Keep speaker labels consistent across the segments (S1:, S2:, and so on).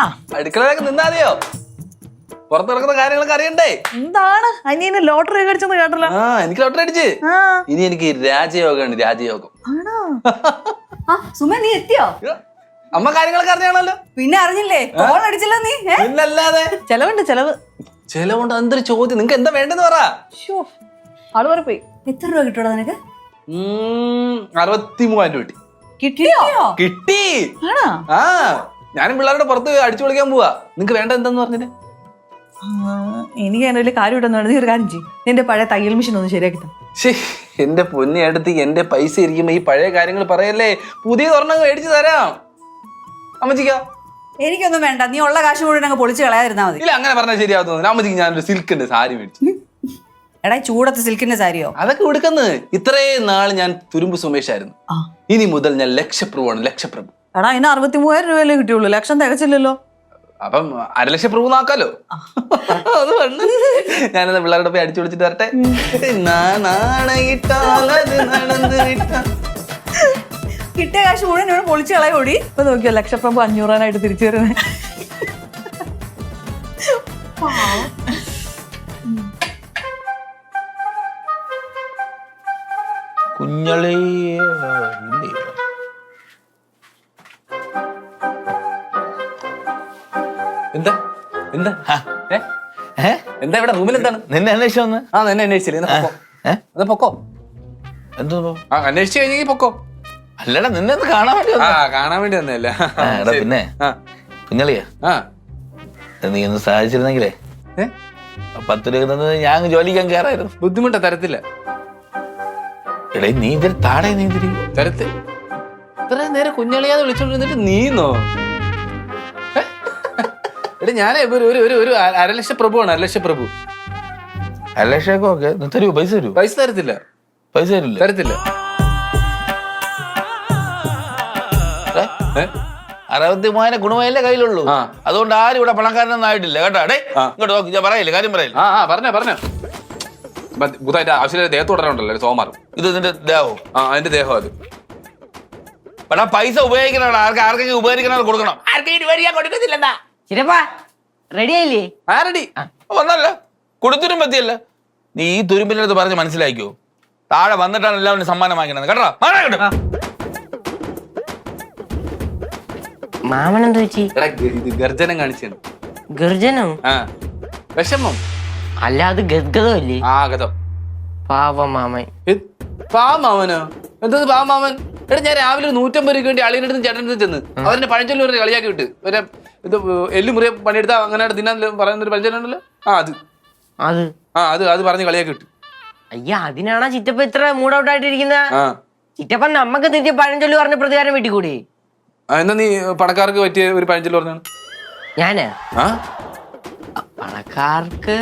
S1: അടുക്കളയിലൊക്കെ നിന്നാതെയോ? പുറത്തിറക്കുന്ന കാര്യങ്ങളൊക്കെ അറിയണ്ടേ?
S2: എന്താണ് അനിയന് ലോട്ടറി അടിച്ചെന്ന് കേട്ടല്ലോ?
S1: ആ, എനിക്ക് ലോട്ടറി അടിച്ച്. ഇനി എനിക്ക് രാജയോഗമാണ്, രാജയോഗം.
S2: ആണോ?
S3: സുമ നീ എത്തിയോ?
S1: അമ്മ കാര്യങ്ങളൊക്കെ അറിഞ്ഞാണല്ലോ.
S3: പിന്നെ അറിഞ്ഞില്ലേ? ഫോൺ അടിച്ചല്ലോ നീ.
S1: പിന്നല്ലാതെ.
S2: ചെലവുണ്ട് ചെലവ്.
S1: ചെലവുണ്ട്. എന്തൊരു ചോദ്യം, നിങ്ങക്ക് എന്താ വേണ്ടെന്ന് പറ.
S2: ആള് വരെ പോയി.
S3: എത്ര രൂപ കിട്ടൂടാ നിനക്ക്?
S1: 63,000 രൂപ കിട്ടി.
S2: കിട്ടിയോ?
S1: കിട്ടി.
S2: ആണോ?
S1: ആ, ഞാനും പിള്ളേരുടെ പുറത്ത് അടിച്ചു പൊളിക്കാൻ പോവാ. നിങ്ങക്ക് വേണ്ട എന്താന്ന് പറഞ്ഞിട്ട്?
S2: എനിക്ക് അതിന് വലിയ കാര്യം ഇട്ടെന്ന് പറഞ്ഞ ഒരു കാര്യം ചെയ്യും. നിന്റെ പഴയ തയ്യൽ മെഷീൻ ഒന്ന് ശരിയാക്കി തന്നെ.
S1: എന്റെ പൊന്നി അടുത്ത് എന്റെ പൈസ ഇരിക്കുമ്പോ ഈ പഴയ കാര്യങ്ങൾ പറയല്ലേ. പുതിയ ഒരെണ്ണം മേടിച്ചു തരാം അമ്മച്ചിക്ക.
S3: എനിക്കൊന്നും വേണ്ട, നീ ഉള്ള കാശ് മുഴുവൻ അങ്ങ് പൊളിച്ച് കളയാതിരുന്നാ മതി.
S1: ഇല്ല, അങ്ങനെ പറഞ്ഞാൽ ശരിയാവുന്നു. അമ്മച്ചിക്ക് ഞാനൊരു സിൽക്കിന്റെ സാരി മേടിച്ചു.
S3: എടാ ചൂടത്ത് സിൽക്കിന്റെ സാരിയോ?
S1: അതൊക്കെ എടുക്കുന്നത്. ഇത്രയും നാൾ ഞാൻ തുരുമ്പ് സുമേഷായിരുന്നു. ഇനി മുതൽ ഞാൻ ലക്ഷപ്രഭുവാണ്, ലക്ഷപ്രഭു.
S2: എടാ അതിന് 63,000 രൂപയല്ലേ കിട്ടിയുള്ളൂ, ലക്ഷം തികച്ചില്ലല്ലോ.
S1: അപ്പം 1,00,000 പ്രഭു നോക്കാലോ. അത് വേണ്ട, ഞാനത് പിള്ളേരുടെ പോയി അടിച്ചു വിളിച്ചിട്ട് വരട്ടെ.
S3: കിട്ടിയ കാശ് മുഴുവൻ ഇവിടെ പൊളിച്ച് കളയോടി.
S2: ഇപ്പൊ നോക്കിയോ ലക്ഷപ്രഭു 500,000 തിരിച്ചു വരുന്നത്.
S4: കുഞ്ഞളി
S1: എന്താ എന്താ എന്താ ഇവിടെ റൂമിൽ എന്താണ്?
S4: നിന്നെ അന്വേഷിച്ചു വന്ന്?
S1: ആ, നിന്നെ അന്വേഷിച്ചില്ലേ? പൊക്കോ.
S4: എന്തോ
S1: അന്വേഷിച്ചു കഴിഞ്ഞെങ്കിൽ പൊക്കോ.
S4: അല്ലടാ, നിന്നെ ഒന്ന് കാണാൻ വേണ്ടി
S1: ആ, കാണാൻ വേണ്ടി വന്നല്ല.
S4: പിന്നെ കുഞ്ഞളിയാ, നീ ഒന്ന് സഹായിച്ചിരുന്നെങ്കിലേ 10 രൂപ തന്നത് ഞാൻ ജോലിക്കാൻ കയറായിരുന്നു.
S1: ബുദ്ധിമുട്ടാ, തരത്തില്ല.
S4: എടേ നീ ഇതിൽ താടേ നീ ഇതിരി
S1: തരത്തിൽ ഇത്രയും നേരം കുഞ്ഞളിയാന്ന് വിളിച്ചോണ്ടിരുന്നിട്ട് നീന്നോ? എടാ ഞാനേ ഒരു 1,00,000 പ്രഭുവാണ്, 1,00,000 പ്രഭു.
S4: 1,00,000 ഒക്കെ തരൂ? പൈസ തരൂ?
S1: പൈസ തരത്തില്ല.
S4: പൈസ തരില്ല?
S1: തരത്തില്ല.
S4: 63,000 ഗുണമല്ലേ കയ്യിലുള്ളൂ. അതുകൊണ്ട് ആരും ഇവിടെ പണക്കാരനൊന്നും ആയിട്ടില്ല കേട്ടോ. ഡേ ഇങ്ങോട്ട് നോക്കി, ഞാൻ പറയില്ല, കാര്യം പറയില്ല.
S1: പറഞ്ഞോ. ബുധമായിട്ട് ആവശ്യമില്ല ദേഹത്ത് തുടരണുണ്ടല്ലോ സോമാറും.
S4: ഇത് നിന്റെ ദേഹവും?
S1: ആ, അതിന്റെ ദേഹം. അത്
S4: പക്ഷെ പൈസ ഉപയോഗിക്കണോ? ആർക്കെങ്കിലും ഉപകരിക്കണോ കൊടുക്കണം. ആർക്കെങ്കിലും കൊടുക്കത്തില്ലെന്നാ.
S3: റെഡി ആയില്ലേ?
S1: ആരടി
S4: വന്നല്ല കൊടുത്തിരും പറ്റിയല്ല. നീ ഈ തുരുമ്പിന്റെ അടുത്ത് പറഞ്ഞ് മനസ്സിലാക്കിയോ? താഴെ വന്നിട്ടാണ് എല്ലാവരും സമ്മാനം വാങ്ങിക്കണത് കേട്ടോ.
S5: മാമനെന്താ വെച്ചി?
S1: ഗർജനം കാണിച്ചാണ്.
S5: ഗർജനം?
S1: വിഷമം
S5: അല്ല, അത് ഗദ്ഗതമല്ലേ?
S1: ഗതം.
S5: പാവം മാമൻ.
S1: പാവമാമനോ? എന്താ പാവമാമൻ? എടാ ഞാൻ രാവിലെ 150 രൂപയ്ക്ക് വേണ്ടി അളിയുടെ അടുത്ത് ചേട്ടൻ്റെ അടുത്ത് ചെന്ന് അവരുടെ പഴഞ്ചൊല്ലി പറഞ്ഞ് കളിയാക്കി വിട്ട്. ഇത് എല്ലുമുറിയെ പണിയെടുത്താ അങ്ങനെ തിന്നാൻ പറയുന്നൊരു പഴഞ്ചൊല്ലുണ്ടല്ലോ. അത് പറഞ്ഞ് കളിയാക്കി വിട്ടു.
S5: അയ്യ, അതിനാണോ ചിറ്റപ്പ ഇത്ര മൂഡ് ഔട്ട് ആയിട്ടിരിക്കുന്ന? ചിറ്റപ്പൻ നമ്മക്ക് തിരിച്ച് പഴഞ്ചൊല്ലി പറഞ്ഞ പ്രതികാരം വീട്ടിക്കൂടി.
S1: എന്നാ നീ പണക്കാർക്ക് പറ്റിയ ഒരു പഴഞ്ചൊല്ലി പറഞ്ഞാണ്.
S5: ഞാന് പണക്കാർക്ക്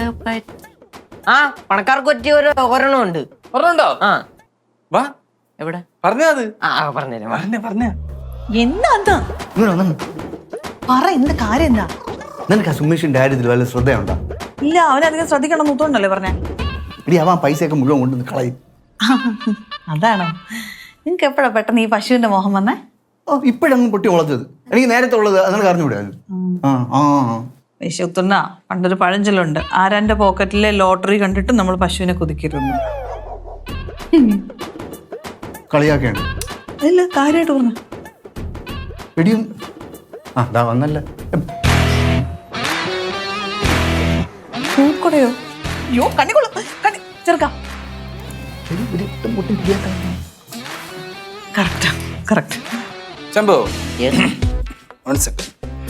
S5: പറ്റിയ ഒരെണ്ണം ഉണ്ട്.
S1: പറഞ്ഞോ? വാ,
S5: എവിടെ
S1: പറഞ്ഞാ? അത്
S5: പറഞ്ഞ
S2: എന്താ പറ, എന്ത് കാര്യം എന്താ?
S6: നിനക്ക് ആ സുമേഷിന്റെ കാര്യത്തിൽ വല്ല ശ്രദ്ധയുണ്ടോ?
S2: ഇല്ല, അവനധികം ശ്രദ്ധിക്കണം എന്നൂത്തോണ്ടല്ലേ പറഞ്ഞേ.
S6: ഇടി അവൻ പൈസയൊക്കെ മുഴുവൻ കൊണ്ടുവന്ന് കളയും.
S2: അതാണോ? നിങ്ങക്ക് എപ്പോഴാ പെട്ടെന്ന് ഈ പശുവിന്റെ മോഹം വന്നേ?
S6: ഇപ്പോഴങ്ങ് പൊട്ടി മുളച്ചത്. എനിക്ക് നേരത്തെ ഉള്ളത് നിനക്ക് അറിഞ്ഞുകൂടാ?
S2: വിശുത്തുന്ന പണ്ടൊരു പഴഞ്ചൊല്ലുണ്ട്, ആരാന്റെ പോക്കറ്റിലെ ലോട്ടറി കണ്ടിട്ട് നമ്മൾ പശുവിനെ കുതിക്കരുന്നു.
S6: കളിയാക്കേണ്ട.
S2: ഇല്ല, കാര്യമായിട്ട് പറഞ്ഞു.
S6: ഇടിയും അതാ വന്നല്ല.
S2: പൂക്കടയോ? അയ്യോ, കണ്ണിക്കൊള്ളും. ചെറുക്കാം. Correct.
S1: Shambhu, 1 second.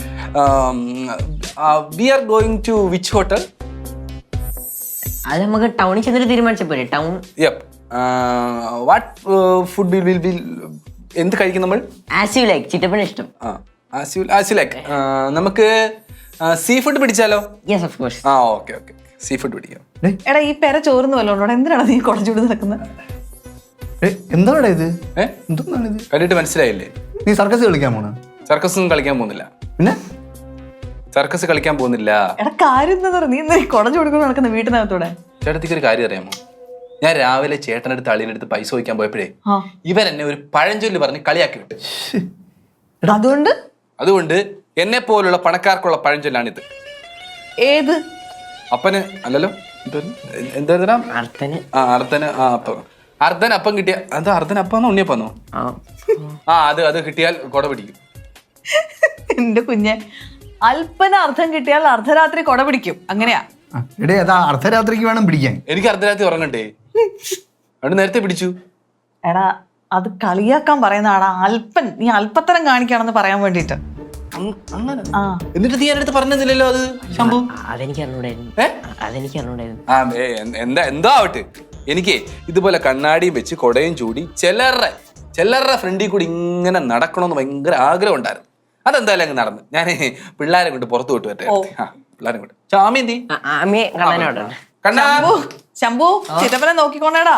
S1: We are going to which hotel?
S5: അത് നമുക്ക് ടൗണിൽ ചെന്നിട്ട് തീരുമാനിച്ച പോലെ. Town.
S1: Yep. What food will be? എന്ത് കഴിക്കും നമ്മൾ?
S5: As you like. ചിറ്റപ്പന് ഇഷ്ടം.
S1: As you like. നമുക്ക് സീ ഫുഡ് പിടിച്ചാലോ?
S5: Yes, of course.
S1: Okay. Seafood പിടിക്കാം.
S2: എടാ, ഈ പെര ചോർന്ന് വല്ലോണ്ടോ? എന്തിനാണ് നീ കുടച്ചുകൂടി നടക്കുന്നത്?
S6: എന്താണ് ഇത്? എന്താണ് ഇത്?
S1: കണ്ടിട്ട് മനസ്സിലായില്ലേ?
S6: നീ സർക്കസ് കളിക്കാൻ പോണ?
S1: സർക്കസ് കളിക്കാൻ പോകുന്നില്ല.
S6: പിന്നെ
S1: സർക്കസ് കളിക്കാൻ പോകുന്നില്ല.
S2: എടാ, കാര്യം എന്താ പറയുക? നീ എന്താ കുടച്ചു കൊടുക്കുന്ന നടക്കുന്ന വീട്ടിനകത്തൂടെ?
S1: ചേട്ടത്തിക്ക് ഒരു കാര്യം അറിയാമോ? ഞാൻ രാവിലെ ചേട്ടനടുത്ത് അളിയനടുത്ത് പൈസ ചോദിക്കാൻ പോയപ്പോഴേ ഇവരെന്നെ ഒരു പഴഞ്ചൊല്ല് പറഞ്ഞ് കളിയാക്കി വിട്ട്.
S2: അതുകൊണ്ട്
S1: എന്നെ പോലുള്ള പണക്കാർക്കുള്ള പഴഞ്ചൊല്ലാണിത്.
S2: ഏത്?
S1: അപ്പന് അല്ലല്ലോ, എന്താ
S5: അർത്ഥന്
S1: അർദ്ധന് അർദ്ധൻ അപ്പം കിട്ടിയ എന്താ അർദ്ധൻ അപ്പാന്നോ ഉണ്ണിയപ്പാന്നോ? അത് കിട്ടിയാൽ കൊട പിടിക്കും.
S2: എന്റെ കുഞ്ഞെ, അല്പന അർത്ഥം കിട്ടിയാൽ അർദ്ധരാത്രി കൊട പിടിക്കും, അങ്ങനെയാ.
S6: എടേ അതാ അർദ്ധരാത്രിക്ക് വേണം പിടിക്കാൻ.
S1: എനിക്ക് അർദ്ധരാത്രി ഉറങ്ങണ്ടേ? അവിടെ നേരത്തെ പിടിച്ചു.
S2: എടാ അത് കളിയാക്കാൻ പറയുന്നതാടാ. അല്പൻ, നീ അല്പത്തരം കാണിക്കാണെന്ന് പറയാൻ വേണ്ടിട്ട്. ആ
S1: എന്നിട്ട് നീ എൻ്റെ അടുത്ത് പറഞ്ഞില്ലല്ലോ അത് ശംഭു.
S5: അതെനിക്ക് അറിഞ്ഞൂടായിരുന്നു. അതെനിക്ക് അറിഞ്ഞൂടായിരുന്നു.
S1: എന്തോ ആവട്ടെ, എനിക്ക് ഇതുപോലെ കണ്ണാടിയും വെച്ച് കൊടയും ചൂടി ചിലരുടെ ഫ്രണ്ടിൽ കൂടി ഇങ്ങനെ നടക്കണമെന്ന് ഭയങ്കര ആഗ്രഹം ഉണ്ടായിരുന്നു. അതെന്തായാലും അങ്ങ് നടന്നു. ഞാൻ പിള്ളേരെ കൊണ്ട് പുറത്തു വിട്ടു പറ്റേ. പിള്ളേരെ കൊണ്ട് ചാമി എന്തി കണ്ണാ
S2: ശംഭു ചിറ്റപ്പനെ നോക്കിക്കൊണ്ടേടാ.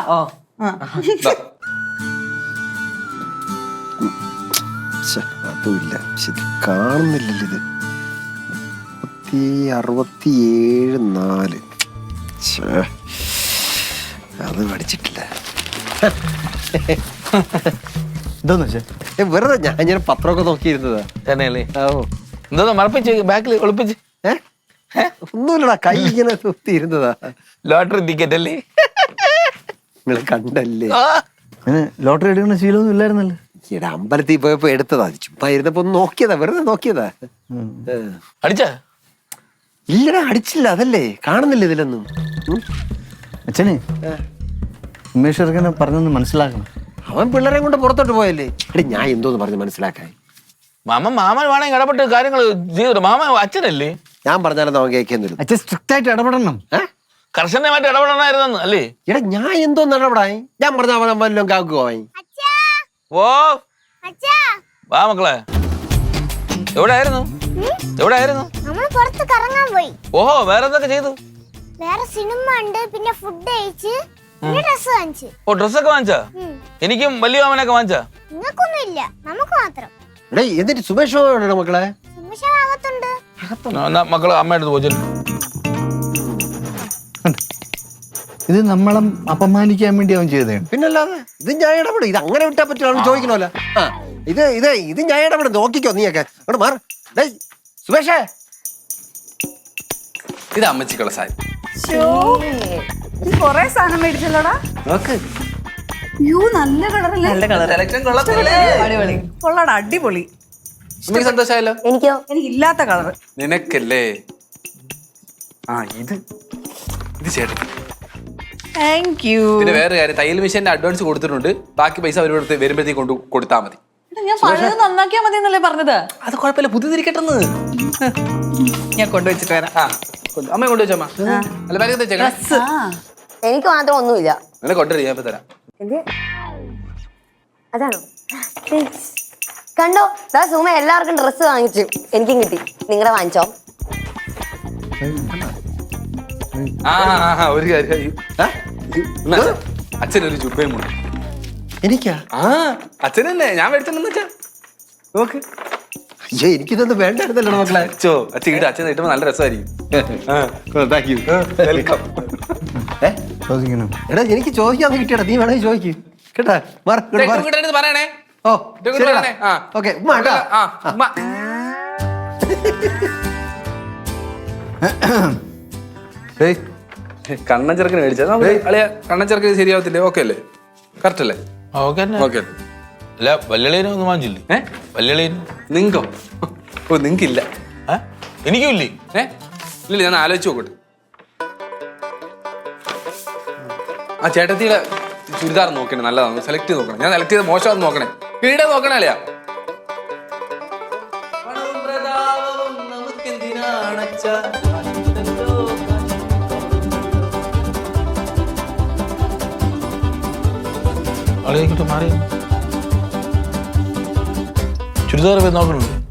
S7: അതുമില്ല, കാണുന്നില്ലല്ലോ. ഇത് 67 അത് പഠിച്ചിട്ടില്ല.
S6: എന്താന്ന് വെച്ചാ
S7: വെറുതെ ഞാൻ ഇങ്ങനെ പത്രമൊക്കെ നോക്കിയിരുന്നതാ.
S4: തന്നെയല്ലേ? എന്താ മറപ്പിച്ച് ബാക്കിൽ ഒളിപ്പിച്ച്?
S7: ഒന്നുമില്ലടാ, കൈ ഇങ്ങനെ കുത്തിയിരുന്നതാ.
S4: ലോട്ടറി ടിക്കറ്റ് അല്ലേ?
S7: നിങ്ങൾ കണ്ടല്ലേ?
S6: ലോട്ടറി എടുക്കുന്ന ശീലമൊന്നും ഇല്ലായിരുന്നല്ലോ.
S7: ഈടെ അമ്പലത്തിൽ പോയപ്പോ എടുത്തതാ. ചുമ്മാ ഇരുന്നപ്പോ ഒന്ന് നോക്കിയതാ, വെറുതെ നോക്കിയതാ.
S4: അടിച്ചാ?
S7: ഇല്ലടാ, അടിച്ചില്ല. അതല്ലേ കാണുന്നില്ല ഇതിലൊന്നും.
S6: അച്ഛനെ ഉമേഷ് ചെറുക്കനെ പറഞ്ഞൊന്ന് മനസ്സിലാക്കണം.
S7: അവൻ പിള്ളേരെ കൊണ്ട് പുറത്തോട്ട് പോയല്ലേ. എടി ഞാൻ എന്തോന്ന് പറഞ്ഞ് മനസ്സിലാക്കാൻ.
S4: മാമൻ വേണമെങ്കിൽ ഇടപെട്ട് കാര്യങ്ങൾ ചെയ്തു. മാമ അച്ഛനല്ലേ?
S7: ഞാൻ പറഞ്ഞാലും അവൻ കേൾക്കുന്നില്ല.
S6: അച്ഛൻ സ്ട്രിക്റ്റ് ആയിട്ട് ഇടപെടണം.
S4: കർശനമായിട്ട് ഇടപെടണമായിരുന്നു അല്ലേ?
S7: എടാ ഞാൻ എന്തോന്ന് ഇടപെടായി? ഞാൻ പറഞ്ഞ അവൻ വല്ലതും കാക്കുവായി.
S4: ഓ വാ മക്കളെ, എവിടെയായിരുന്നു?
S8: നമ്മൾ പുറത്ത് കറങ്ങാൻ പോയി.
S4: ഓഹോ, വേറെ എന്തൊക്കെ ചെയ്തു?
S8: വേറെ സിനിമ ഉണ്ട്, പിന്നെ ഫുഡ് കഴിച്ച്, പിന്നെ ഡ്രസ് വാങ്ങിച്ചു.
S4: ഓ, ഡ്രസ്സൊക്കെ വാങ്ങിച്ചാ? എനിക്കും വലിയ മാമനൊക്കെ വാങ്ങിച്ചാ?
S8: നിങ്ങൾക്കൊന്നും ഇല്ല, നമുക്ക് മാത്രം.
S7: എടേ എന്നിട്ട് സുമേഷ് മക്കളെ
S8: സുമേഷ് അകത്തുണ്ട്.
S4: മക്കള് അമ്മയുടെ അടുത്ത് പോയി.
S6: ഇത് നമ്മളെ അപമാനിക്കാൻ വേണ്ടി അവൻ ചെയ്തതാണ്.
S7: പിന്നല്ലാതെ ഇത് ഞാൻ ഇടപെടും. ഇത് അങ്ങനെ വിട്ടാ പറ്റുമോ ചോദിക്കണമല്ലോ. ഇത് ഞാൻ ഇടപെടും. നോക്കിക്കോ നീയൊക്കെ അങ്ങോട്ട് മാറും. സുമേഷേ,
S1: ഇത് അമ്മച്ചിക്കുള്ള സാരി.
S3: കൊറേ സാധനം മേടിച്ചല്ലോടാ.
S1: നോക്ക്,
S3: നല്ല കളറല്ലേ?
S2: നല്ല കളർ, അടിപൊളി, കൊള്ളാടാ, അടിപൊളി.
S1: എനിക്ക് സന്തോഷമായല്ലോ.
S5: എനിക്കോ?
S3: എനിക്കില്ലാത്ത കളർ.
S1: നിനക്കല്ലേ? ഇത് ചേട്ടൻ.
S2: Thank you.
S1: പിന്നെ വേറെ കാര്യം, തയ്യൽ മെഷീന്റെ അഡ്വാൻസ് കൊടുത്തിട്ടുണ്ട്. ബാക്കി പൈസ അവരോട് വരുമ്പോഴത്തേക്ക് കൊടുത്താൽ മതി.
S2: ഞാൻ പഴയത് നന്നാക്കിയാ മതി എന്നല്ലേ പറഞ്ഞത്?
S1: അത് കുഴപ്പമില്ല, പുതിയതിരിക്കട്ടെന്ന്.
S2: ഞാൻ കൊണ്ടുവച്ചിട്ട് വരാം.
S1: അമ്മ കൊണ്ടുവച്ചമ്മ. അല്ല ബാഗ് തെച്ചേക്കണം.
S5: എനിക്ക് മാത്രം ഒന്നുമില്ല.
S1: നിന്നെ കൊണ്ടുവരും, ഞാൻ ഇപ്പൊ തരാം.
S5: അതാണോ? കണ്ടോ, സുമ എല്ലാവർക്കും ഡ്രസ്സ് വാങ്ങിച്ചു, എനിക്കും കിട്ടി. നിങ്ങളുടെ വാങ്ങിച്ചോ?
S1: ഒരു കാര്യം, അച്ഛനൊരു ജുബയും മുണ്ട്.
S7: എനിക്കാ?
S1: അച്ഛനല്ലേ ഞാൻ മേടിച്ചെന്ന് വെച്ചാ നോക്ക്.
S7: അയ്യോ, എനിക്കിതൊന്നും വേണ്ടായിരുന്നല്ലോ മക്കളെ.
S1: അച്ഛൻ ഇട്ട് അച്ഛൻ കിട്ടുമ്പോ നല്ല രസമായിരിക്കും. വെൽക്കം.
S6: ചോദിക്കണം.
S7: എടാ എനിക്ക് ചോദിക്കാന്ന് കിട്ടിയടാ, നീ വേണമെങ്കിൽ ചോദിക്കും കേട്ടാ.
S1: പറയണേ.
S7: ഓ ഓക്കെ.
S1: കണ്ണൻ ചെറുക്കന് മേടിച്ചാ അളിയ. കണ്ണൻ ചെറുക്കന് ശരിയാവത്തില്ലേ? ഓക്കെ അല്ലേ? കറക്റ്റ് അല്ലേ? ഓക്കെ.
S4: അല്ല, വല്യളീനും ഒന്നും വാങ്ങിച്ചില്ലേ? വല്യളീനും
S1: നിങ്ങോ? ഓ, നിങ്ങക്കില്ല.
S4: എനിക്കും ഇല്ലേ?
S1: ഇല്ല, ഞാൻ ആലോചിച്ച് നോക്കട്ടെ. ആ ചേട്ടത്തിയുടെ ചുരിദാർ നോക്കണേ, നല്ലതാണ്. സെലക്ട് ചെയ്ത് നോക്കണം. ഞാൻ സെലക്ട് ചെയ്ത് മോശമാണെന്ന് നോക്കണേ. വീടെ നോക്കണേ അല്ലയാ.
S4: മാറി ചുരിദാർ പോയി നോക്കണുണ്ട്.